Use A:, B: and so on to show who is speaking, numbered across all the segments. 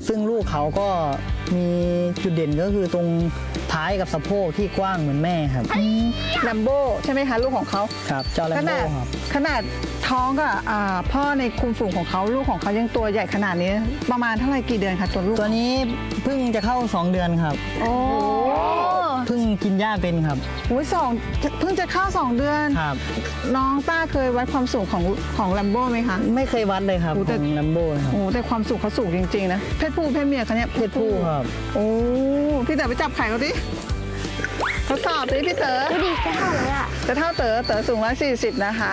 A: ซึ่งลูกเขาก็มีจุดเด่นก็คือตรงท้ายกับสะโพกที่กว้างเหมือนแม่ครับ
B: แลมโบ้ใช่ไหมคะลูกของเขา
A: ครับเจ้าแลมโบ้ครับ
B: ขนาดท้องกับพ่อในคุมฝูงของเขาลูกของเขายังตัวใหญ่ขนาดนี้ประมาณเท่าไหร่กี่เดือนคะตัวลูก
A: ตัวนี้เพิ่งจะเข้า2 เดือนครับ
B: โอ้
A: เพิ่งกินหญ้าเป็นครับ
B: โอ้ยเพิ่งจะเข้า2 เดือน
A: ครับ
B: น้องต้าเคยวัดความสูงของแลมโบ้ไหมคะ
A: ไม่เคยวัดเลยครับของแลมโบ้ครับ
B: โอ้แต่ความสูงเขาสูงจริงๆนะเพศผู้เพศเมียเขาเนี่ย
A: เพศผู้ครับ
B: โอ้พี่เต๋อไปจับไข่เขาดิทดสอบดิพี่เต๋อ
C: ดูดิจะเท่าเลยอ่ะ
B: จะเท่าเต๋อสูง140นะคะ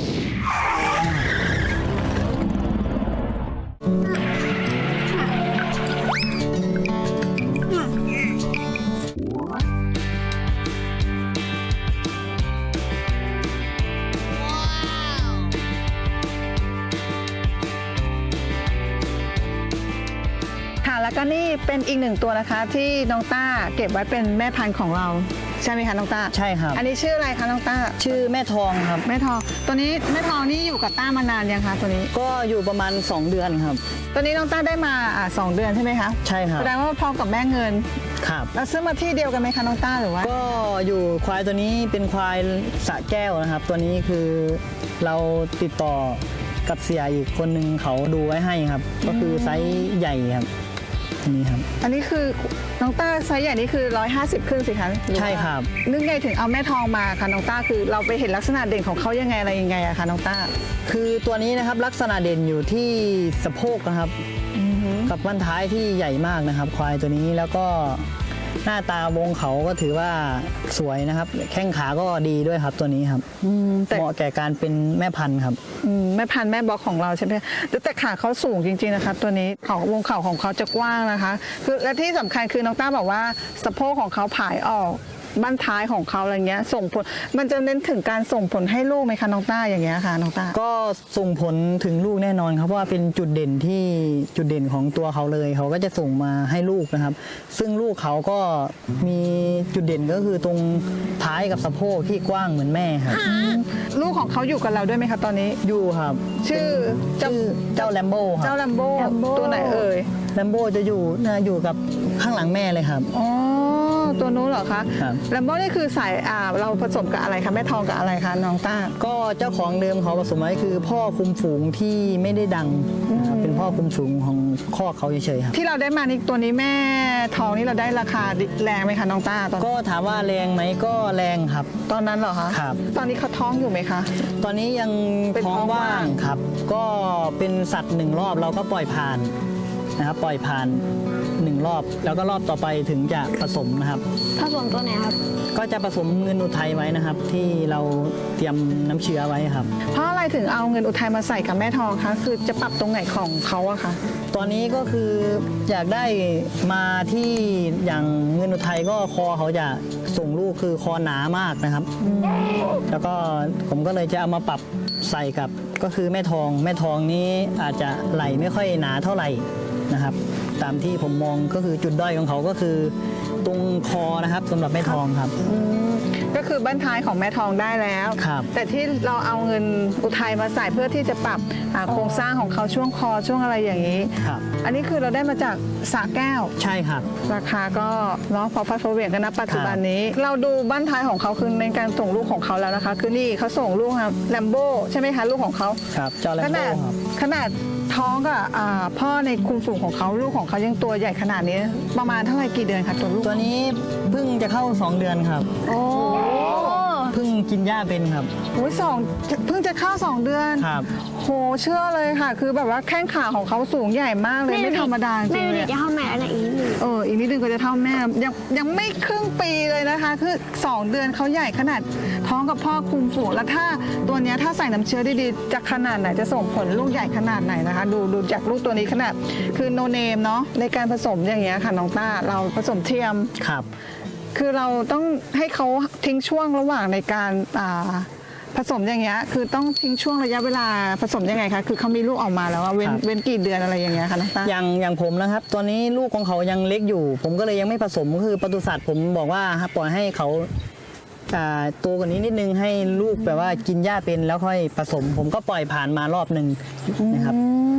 B: แล้วก็นี่เป็นอีก1ตัวนะคะที่น้องต้าเก็บไว้เป็นแม่พันธุ์ของเราใช่ไหมคะน้องต้า
A: ใช่ครับ
B: อันนี้ชื่ออะไรคะน้องต้า
A: ชื่อแม่ทองครับ
B: แม่ทองตัวนี้แม่ทองนี่อยู่กับต้ามานานยังคะตัวนี้
A: ก็อยู่ประมาณ2 เดือนครับ
B: ตัวนี้น้องต้าได้มา2 เดือนใช่ไหมคะ
A: ใช่ครับ
B: แสดงว่าพร้อมกับแม่เงิน
A: ครับ
B: แล้วซื้อมาที่เดียวกันไหมคะน้องต้าหรือว่า
A: ก็อยู่ควายตัวนี้เป็นควายสระแก้วนะครับตัวนี้คือเราติดต่อกับเสียอีกคนนึงเขาดูไว้ให้ครับก็คือไซส์ใหญ่ครับนี่ครับ
B: อันนี้คือน้องต้าไซส์ใหญ่นี่คือ150ขึ้นสิคะ
A: ใช่ครับ
B: นึกไงถึงเอาแม่ทองมาคะน้องต้าคือเราไปเห็นลักษณะเด่นของเขายังไงอะไรยังไงอะคะน้องต้า
A: คือตัวนี้นะครับลักษณะเด่นอยู่ที่สะโพกนะครับกับบั้นท้ายที่ใหญ่มากนะครับควายตัวนี้แล้วก็หน้าตาวงเขาก็ถือว่าสวยนะครับแข้งขาก็ดีด้วยครับตัวนี้ครับเหมาะแก่การเป็นแม่พันธุ์ครับ
B: แม่พันธุ์แม่บล็อกของเราใช่ไหมแต่ขาเขาสูงจริงๆนะคะตัวนี้วงเข่าของเขาจะกว้างนะคะคือและที่สำคัญคือน้องต้าบอกว่าสะโพกของเขาผายออกบั้นท้ายของเขาอะไรเงี้ยส่งผลมันจะเน้นถึงการส่งผลให้ลูกไหมคะน้องต้าอย่างเงี้ยค่ะน้องต้า
A: ก็ส่งผลถึงลูกแน่นอนครับเพราะว่าเป็นจุดเด่นของตัวเขาเลยเขาก็จะส่งมาให้ลูกนะครับซึ่งลูกเขาก็มีจุดเด่นก็คือตรงท้ายกับสะโพกที่กว้างเหมือนแม่ครับ
B: ลูกของเขาอยู่กับเราด้วยไหมคะตอนนี้
A: อยู่ครับ
B: ชื่อ
A: เจ้าแลมโบ้ครับ
B: เจ้าแลมโบ้ตัวไหนเอ่ย
A: แลมโบ้จะอยู่กับข้างหลังแม่เลยครับ
B: อ๋อตัวนู้นเหรอคะแลมโบ้นี่คือสายเราผสมกับอะไรคะแม่ทองกับอะไรคะน้องต้า
A: ก็เจ้าของเดิมเขาผสมไว้คือพ่อคุมฝูงที่ไม่ได้ดังเป็นพ่อคุมฝูงของคอกเขาเฉยๆครับ
B: ที่เราได้มานี่ตัวนี้แม่ทองนี่เราได้ราคาแรงไหมคะน้องต้า
A: ก็ถามว่าแรงไหมก็แรงครับ
B: ตอนนั้นเหรอคะ
A: ครับ
B: ตอนนี้เขาท้องอยู่ไหมคะ
A: ตอนนี้ยังท้องว่างครับก็เป็นสัตว์1 รอบเราก็ปล่อยผ่านนะครับปล่อยผ่าน1 รอบแล้วก็รอบต่อไปถึงจะผสมนะครับ
C: ผสมตัวไหนครับ
A: ก็จะผสมเงินอุทัยไว้นะครับที่เราเตรียมน้ำเชื้อไว้ครับ
B: เพราะอะไรถึงเอาเงินอุทัยมาใส่กับแม่ทองคะคือจะปรับตรงไหนของเขาอะคะ
A: ตอนนี้ก็คืออยากได้มาที่อย่างเงินอุทัยก็คอเขาจะส่งลูกคือคอหนามากนะครับแล้วก็ผมก็เลยจะเอามาปรับใส่กับก็คือแม่ทองนี้อาจจะไหลไม่ค่อยหนาเท่าไหร่นะครับตามที่ผมมองก็คือจุดด้อยของเขาก็คือตรงคอนะครับสำหรับแม่ทองครับ
B: ก็คือบั้นท้ายของแม่ทองได้แล้วแต่ที่เราเอาเงินอุทัยมาใส่เพื่อที่จะปรับโครงสร้างของเขาช่วงคอช่วงอะไรอย่างนี้อันนี้คือเราได้มาจากสระแก้ว
A: ใช่ครับ
B: ราคาก็เนาะพอฟัดพอเหวี่ยงกันนะปัจจุบันนี้เราดูบั้นท้ายของเขาคือในการส่งลูกของเขาแล้วนะคะคือนี่เขาส่งลูกครับแลมโบ้ใช่ไหมคะลูกของเขา
A: ครับเจ้าแลมโบ้
B: ขนาดท้องกับพ่อในคุมฝูงของเขาลูกของเขายังตัวใหญ่ขนาดนี้ประมาณเท่าไหร่กี่เดือนคะตัวลูก
A: ตัวนี้เพิ่งจะเข้า2 เดือนครับ
B: โอ้
A: เพิ่งกินหญ้าเป็นครับ
B: โอ้ยเพิ่งจะเข้า2 เดือน
A: ครับ
B: โหเชื่อเลยค่ะคือแบบว่าแข้งขาของเขาสูงใหญ่มากเลยไม่ธรรมดาจริง
C: เลยจะเท่าแม่อะไรอีกนิดนึง
B: อีกนิดนึงก็จะเท่าแม่ยังไม่ครึ่งปีเลยนะคะคือ2 เดือนเขาใหญ่ขนาดท้องกับพ่อคุมฝูงแล้วถ้าตัวนี้ถ้าใส่น้ำเชื้อดีๆจะขนาดไหนจะส่งผลลูกใหญ่ขนาดไหนนะคะดูจากลูกตัวนี้ขนาดคือโนเนมเนาะในการผสมอย่างเงี้ยค่ะน้องต้าเราผสมเทียม
A: ครับ
B: คือเราต้องให้เขาทิ้งช่วงระหว่างในการผสมอย่างเงี้ยคือต้องทิ้งช่วงระยะเวลาผสมยังไงคะคือเขามีลูกออกมาแล้วว่าเว้นกี่เดือนอะไรอย่างเงี้ยคะน้องต้า
A: อย่างผมนะครับตอนนี้ลูกของเขายังเล็กอยู่ผมก็เลยยังไม่ผสมก็คือปศุสัตว์ผมบอกว่าปล่อยให้เขาตัวกว่านี้นิดนึงให้ลูกแบบว่ากินหญ้าเป็นแล้วค่อยผสมผมก็ปล่อยผ่านมารอบหนึ่งนะครับ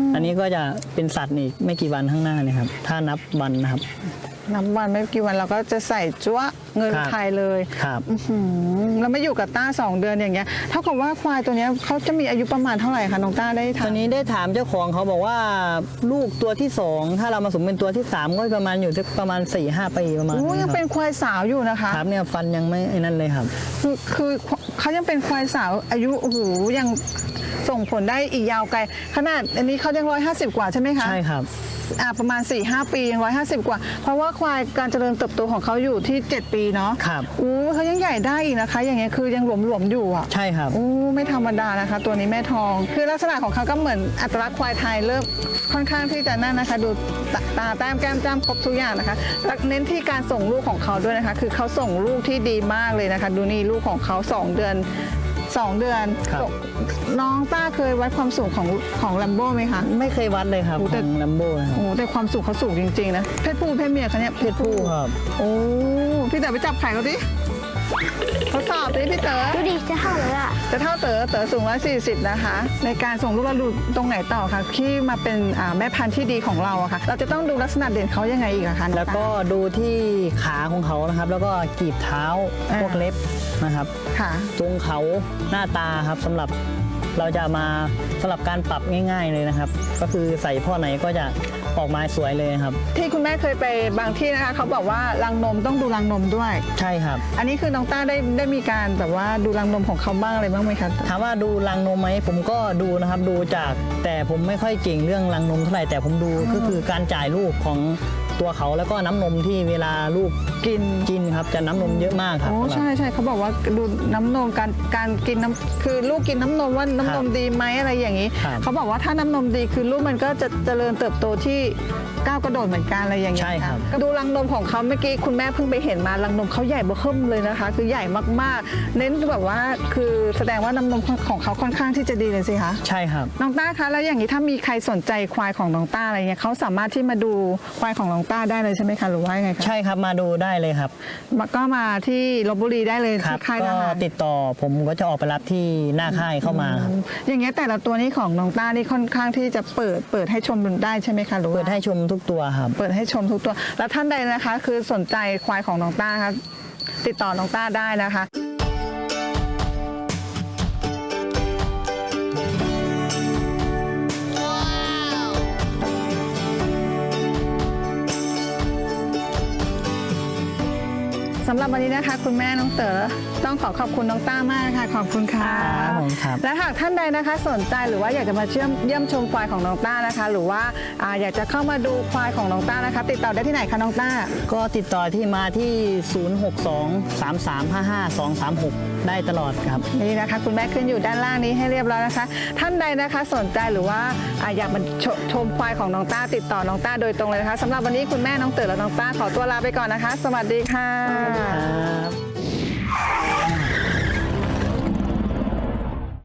A: อันนี้ก็จะเป็นสัตว์อีกไม่กี่วันข้างหน้าเนี่ยครับถ้านับวันนะครับ
B: นับวันไม่กี่วันเราก็จะใส่จั๊วเงิน
A: ครับ
B: ไทยเลย
A: ครับ
B: แล้วไม่อยู่กับต้า2 เดือนอย่างเงี้ยเท่ากับว่าควายตัวเนี้ยเขาจะมีอายุประมาณเท่าไหร่คะน้องต้าได้
A: ต
B: ถา
A: อ
B: ม
A: นนี้ได้ถามเจ้าของเขาบอกว่าลูกตัวที่ 2 ถ้าเรามาสมเป็นตัวที่ 3 ก็ประมาณอยู่ที่ประมาณ 4-5 ปีประมาณ
B: โอ้
A: นี้
B: ยัง
A: ค
B: เป็
A: รั
B: น
A: บ
B: ควายสาวอยู่นะคะ
A: ครับเนี่ยฟันยังไม่ไอ้นั่นเลยครับ
B: คือเขายังเป็นควายสาวอายุโอ้โหยังส่งผลได้อีกยาวไกลขนาดอันนี้เขายัง150 กว่าใช่ไหมคะ
A: ใช่ครับ
B: ประมาณ 4-5 ปียัง150 กว่า เพราะว่าควายการเจริญเติบโตของเขาอยู่ที่ 7 ปีเนาะ
A: ครับ
B: เขายังใหญ่ได้อีกนะคะ อย่างเงี้ยคือยังหลวมๆอยู่อ่ะ
A: ใช่ครับ
B: ไม่ธรรมดานะคะ ตัวนี้แม่ทอง คือลักษณะของเขาก็เหมือนอัตลักษณ์ควายไทยเริ่มค่อนข้างที่จะนั่นนะคะ ดูตาแต้มแก้มจ้ำครบทุกอย่างนะคะแล้วเน้นที่การส่งลูกของเขาด้วยนะคะ คือเขาส่งลูกที่ดีมากเลยนะคะ ดูนี่ลูกของเขา2 เดือน
A: ครับ
B: น้องต้าเคยวัดความสูงของลัมโบ้ไหมคะ
A: ไม่เคยวัดเลยครับ
B: โอ้
A: ข
B: แต่
A: องลัมโบ้นะครับ
B: โอ้แต่ความสูงเขาสูงจริงๆนะเพศผู้เพศเมียคะเนี่ย
A: เพศผู้ครับ
B: โอ้พี่เต๋อไปจับไข่เขาดิทดสอบดิพี่เต๋อ
C: ดูดิจะเท่าเลยอ่ะ
B: จะเท่าเต๋อสูง140นะคะ ในการส่งลูกเราดูตรงไหนต่อคะที่มาเป็นแม่พันธุ์ที่ดีของเราอะค่ะ เราจะต้องดูลักษณะเด่นเขายังไงอีกอะคะน้อง
A: แล้วก็ดูที่ขาของเขานะครับ แล้วก็กีบเท้าพวกเล็บนะครับ
B: ค่ะ
A: ทรงเขาหน้าตาครับสำหรับเราจะมาสำหรับการปรับง่าย ๆเลยนะครับ ก็คือใส่พ่อไหนก็จะออกมาสวยเลยครับ
B: ที่คุณแม่เคยไปบางที่นะคะเขาบอกว่ารังนมต้องดูรังนมด้วย
A: ใช่ครับ
B: อันนี้คือน้องต้าได้มีการแบบว่าดูรังนมของเขาบ้างอะไรบ้างไหมคะ
A: ถามว่าดูรังนมไหมผมก็ดูนะครับดูจากแต่ผมไม่ค่อยเก่งเรื่องรังนมเท่าไหร่แต่ผมดูก็คือการจ่ายลูกของตัวเขาแล้วก็น้ำนมที่เวลาลูก
B: กิน
A: ครับจะน้ำนมเยอะมากครับ
B: โอ้ใช่ใช่เขาบอกว่าดูน้ำนมการกินน้ำคือลูกกินน้ำนมว่าน้ำนมดีไหมอะไรอย่างนี้
A: ครับ
B: เขาบอกว่าถ้าน้ำนมดีคือลูกมันก็จะเจริญเติบโตที่ก้าวกระโดดเหมือนกันอะไรอย่างเงี้ย
A: ใช่ครับ
B: ดูรังนมของเขาเมื่อกี้คุณแม่เพิ่งไปเห็นมารังนมเขาใหญ่เบ้อเริ่มเลยนะคะ คือใหญ่มากๆ เน้นแบบว่าคือแสดงว่าน้ำนมของเขาค่อนข้างที่จะดีเลยสิคะ
A: ใช่ครับ
B: น้องต้าคะแล้วอย่างนี้ถ้ามีใครสนใจควายของน้องต้าอะไรเงี้ยเขาสามารถที่มาดูควายของน้องต้าได้เลยใช่ไหมคะหรือว่ายังไงคะ
A: ใช่ครับมาดูได้เลยครับ
B: ก็มาที่ลพบุรีได้เลย
A: ครั
B: ที่ค่ายท
A: ก็
B: หาร
A: ติดต่อผมก็จะออกไปรับที่หน้าค่ายเข้ามาครับ
B: อย่างเงี้ยแต่ละตัวนี้ของน้องต้านี่ค่อนข้างที่จะเปิดให้ชมได้ใช่ไหมคะหรือว่า
A: เปิดให้ชมทุกตัวครับ
B: เปิดให้ชมทุกตัว แล้วท่านใดนะคะ คือสนใจควายของน้องต้าครับติดต่อน้องต้าได้นะคะ สำหรับวันนี้นะคะ คุณแม่น้องเต๋อต้องขอบคุณน้องต้ามากค่ะขอบคุณค่ะ
A: ครับผมครับ
B: และหากท่านใดนะคะสนใจหรือว่าอยากจะมาเยี่ยมชมควายของน้องต้านะคะ หรือว่าอยากจะเข้ามาดูควายของน้องต้านะคะ ติดต่อได้ที่ไหนคะน้องต้า
A: ก็ติดต่อที่มาที่ 062-3355-236 ได้ตลอดครับ
B: นี่นะคะคุณแม่ขึ้นอยู่ด้านล่างนี้ให้เรียบร้อยนะคะ ท่านใดนะคะสนใจหรือว่าอยากมาชมควายของน้องต้า ติดต่อน้องต้าโดยตรงเลยนะคะสำหรับวันนี้คุณแม่น้องเต๋อและน้องต้าขอตัวลาไปก่อนนะคะ สวัสดีค่ะ
A: ครับ